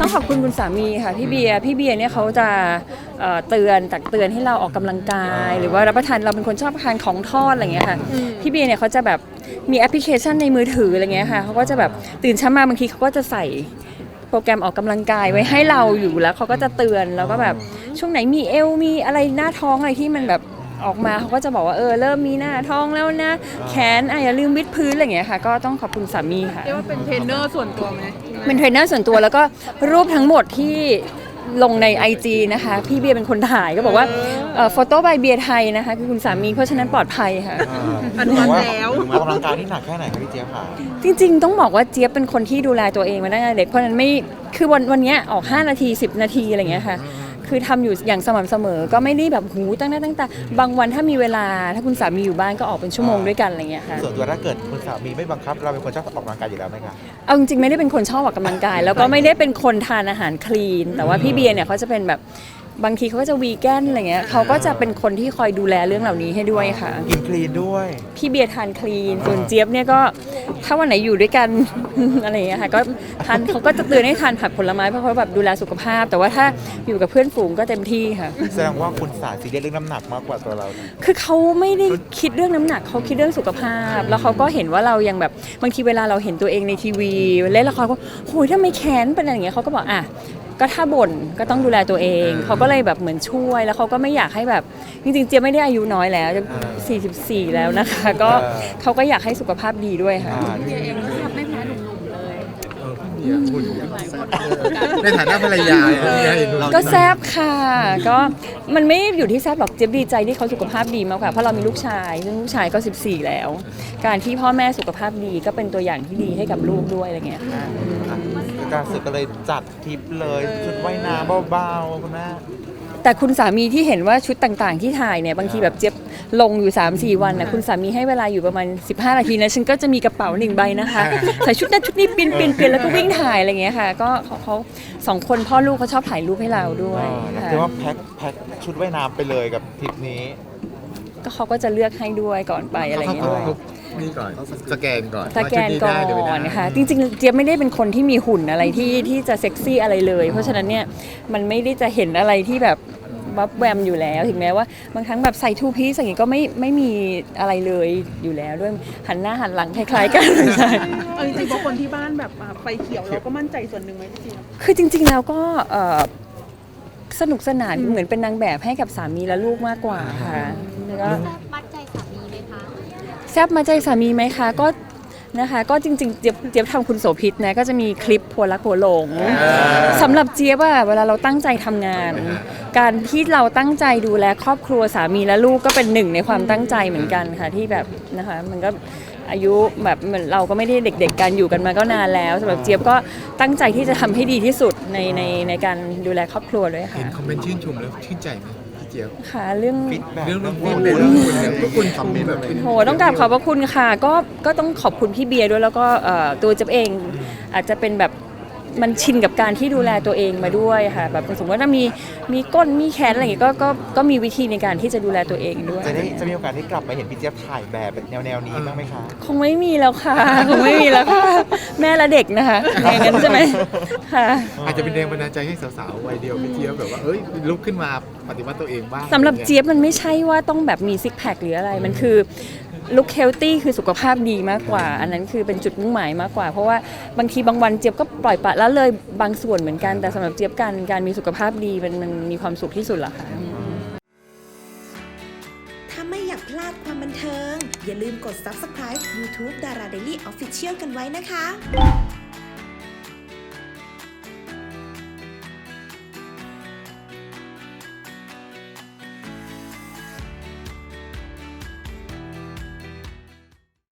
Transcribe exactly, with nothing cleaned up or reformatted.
ต้องขอบคุณคุณสามีค่ะพี่เบียร์พี่เบียร์เนี่ยเขาจะเตือนตักเตือนให้เราออกกำลังกาย หรือว่ารับประทานเราเป็นคนชอบทานของทอดอะไรเงี้ยค่ะพี่เบียร์เนี่ยเขาจะแบบมีแอปพลิเคชันในมือถืออะไรเงี้ยค่ะเขาก็จะแบบตื่นเช้ามาบางทีเขาก็จะใส่โปรแกรมออกกำลังกายไว้ให้เราอยู่แล้วเขาก็จะเตือนแล้วก็แบบช่วงไหนมีเอวมีอะไรหน้าท้องอะไรที่มันแบบออกมาเขาก็จะบอกว่าเออเริ่มมีหน้าท้องแล้วนะแขนอ่ะอย่าลืมวิดพื้นอะไรอย่างเงี้ยค่ะก็ต้องขอบคุณสามีค่ะเรียกว่าเป็นเทรนเนอร์ส่วนตัวไหมเป็นเทรนเนอร์ส่วนตัวแล้วก็รูปทั้งหมดที่ลงใน ไอ จี นะคะพี่เบียร์เป็นคนถ่ายก็บอกว่าโฟโต้บายเบียร์ไทยนะคะคือคุณสามีเพราะฉะนั้นปลอดภัยค่ะอนุมัติแล้วออกกำลังกายที่หนักแค่ไหนคะพี่เจี๊ยบค่ะจริงๆต้องบอกว่าเจี๊ยบเป็นคนที่ดูแลตัวเองมาตั้งแต่เด็กเพราะฉะนั้นไม่คือวันวันนี้ออกห้านาทีสิบนาทีอะไรอย่างเงี้ยค่ะคือทำอยู่อย่างสม่ำเสมอก็ไม่ได้แบบหูตั้งหน้าตั้งตาบางวันถ้ามีเวลาถ้าคุณสามีอยู่บ้านก็ออกเป็นชั่วโมงด้วยกันอะไรเงี้ยค่ะส่วนตัวถ้าเกิดคุณสามีไม่บังคับเราเป็นคนชอบออกกำลังกายอยู่แล้วไหมคะเอาจริงๆไม่ได้เป็นคนชอบออกกำลังกายแล้วก็ไม่ได้เป็นคนทานอาหารคลีนแต่ว่าพี่เบียร์เนี่ยเขาจะเป็นแบบบางทีเขาก็จะวีแกนอะไรเงี้ยเขาก็จะเป็นคนที่คอยดูแลเรื่องเหล่านี้ให้ด้วยค่ะกินคลีนด้วยพี่เบียร์ทานคลีนส่วนเจี๊ยบเนี่ยก็ถ้าวันไหนอยู่ด้วยกัน อะไรอย่างเงี้ยค่ะก็ทานเขาก็จะเตือนให้ทานผักผลไม้เพราะเขาแบบดูแลสุขภาพแต่ว่าถ้าอยู่กับเพื่อนฝูงก็เต็มที่ค่ะแสดงว่าคุณสาซีเรียสเรื่องน้ำหนักมากกว่าตัวเราคือเขาไม่ได้คิดเรื่องน้ำหนักเขาคิดเรื่องสุขภาพแล้วเขาก็เห็นว่าเรายังแบบบางทีเวลาเราเห็นตัวเองในทีวีเล่นละครก็โหยทำไมแขนเป็นอะไรอย่างเงี้ยเขาก็บอกอ่ะก็ถ้าบ่นก็ต้องดูแลตัวเองเขาก็เลยแบบเหมือนช่วยแล้วเขาก็ไม่อยากให้แบบจริงๆเจี๊ยบไม่ได้อายุน้อยแล้วจะสี่สิบสี่แล้วนะคะก็เขาก็อยากให้สุขภาพดีด้วยค่ะเบียร์เองก็ไม่แพ้หนุ่มๆเลยในฐานะภรรยาก็แซบค่ะก็มันไม่อยู่ที่แซบหรอกเจี๊ยบดีใจที่เขาสุขภาพดีมากกว่าเพราะเรามีลูกชายซึ่งลูกชายก็สิบสี่แล้วการที่พ่อแม่สุขภาพดีก็เป็นตัวอย่างที่ดีให้กับลูกด้วยอะไรเงี้ยค่ะการสึกก็เลยจัดทริปเลยชุดว่ายน้ำเบาๆคุณแม่แต่คุณสามีที่เห็นว่าชุดต่างๆที่ถ่ายเนี่ยบางทีแบบเจี๊ยบลงอยู่ สามสี่ วันนะคุณสามีให้เวลาอยู่ประมาณสิบห้านาทีนะฉันก็จะมีกระเป๋าหนึ่งใบนะคะใส่ชุดนั้นชุดนี้เปลี่ยนเปลี่ยนเปลี่ยนแล้วก็วิ่งถ่ายอะไรเงี้ยค่ะก็เขาเขาสองคนพ่อลูกเขาชอบถ่ายรูปให้เราด้วยค่ะคือว่าแพ็คแพ็คชุดว่ายน้ำไปเลยกับทริปนี้ก็เขาก็จะเลือกให้ด้วยก่อนไปอะไรเงี้ยด้วยนี่ก่อนสแกนก่อนสแกนก่อนนะคะจริงๆเจี๊ยบไม่ได้เป็นคนที่มีหุ่นอะไรที่ที่จะเซ็กซี่อะไรเลยเพราะฉะนั้นเนี่ยมันไม่ได้จะเห็นอะไรที่แบบวับแวมอยู่แล้วถึงแม้ว่าบางครั้งแบบใส่ทูพีซอย่างนี้ก็ไม่ไม่มีอะไรเลยอยู่แล้วด้วยหันหน้าหันหลังคล้ายๆกันใช่จริงๆบางคนที่บ้านแบบไฟเขียวเราก็มั่นใจส่วนหนึ่งไหมจริงๆคือจริงๆแล้วก็สนุกสนานเหมือนเป็นนางแบบให้กับสามีและลูกมากกว่าค่ะแล้วก็แซ่บมัดใจสามีไหมคะแซ่บมัดใจสามีไหมคะก็นะคะก็จริงๆเจี๊ยบเจี๊ยบทำคุณโสภิตนะก็จะมีคลิปผัวรักผัวหลงสำหรับเจี๊ยบอะเวลาเราตั้งใจทำงาน การที่เราตั้งใจดูแลครอบครัวสามีและลูกก็เป็นหนึ่งในความตั้งใจเหมือนกันค่ะที่แบบนะคะมันก็อายุแบบเหมือนเราก็ไม่ได้เด็กๆกันอยู่กันมาก็นานแล้วสำหรับเจี๊ยบก็ตั้งใจที่จะทำให้ดีที่สุดในในในการดูแลครอบครัวด้วยค่ะเห็นคอมเมนต์ชื่นชมแล้วชื่นใจไหมค่ะเรื่องเรื่องเรื่องเรื่องคุณเนี่ยคุณคอมเมนต์แบบโหต้องกราบขอบพระคุณค่ะก็ก็ต้องขอบคุณพี่เบียร์ด้วยแล้วก็ตัวเจ๊เองอาจจะเป็นแบบมันชินกับการที่ดูแลตัวเองมาด้วยค่ะแบบสมมติว่าถ้ามีมีก้นมีแขนอะไรอย่างเงี้ยก็ก็ก็มีวิธีในการที่จะดูแลตัวเองด้วยจะได้จะมีโอกาสได้กลับมาเห็นพี่เจี๊ยบถ่ายแบบแนวแนวนี้บ้างไหมคะคงไม่มีแล้วค่ะคงไม่มีแล้วค่ะแม่และเด็กนะคะอย่างนั้นใช่ไหมค่ะอาจจะเป็นแรงบันดาลใจให้สาวๆวัยเดียวพี่เจี๊ยบแบบว่าเอ้ยลุกขึ้นมาปฏิวัติตัวเองบ้างสำหรับเจี๊ยบมันไม่ใช่ว่าต้องแบบมีซิกแพคหรืออะไรมันคือลุคเฮลตี้คือสุขภาพดีมากกว่าอันนั้นคือเป็นจุดมุ่งหมายมากกว่าเพราะว่าบางทีบางวันเจี๊ยบก็ปล่อยปละละเลยบางส่วนเหมือนกันแต่สำหรับเจี๊ยบการการมีสุขภาพดีมันมันมีความสุขที่สุดละค่ะถ้าไม่อยากพลาดความบันเทิงอย่าลืมกด ซับสไครบ์ ยูทูบ ดารา เดลี่ ออฟฟิเชียล กันไว้นะคะ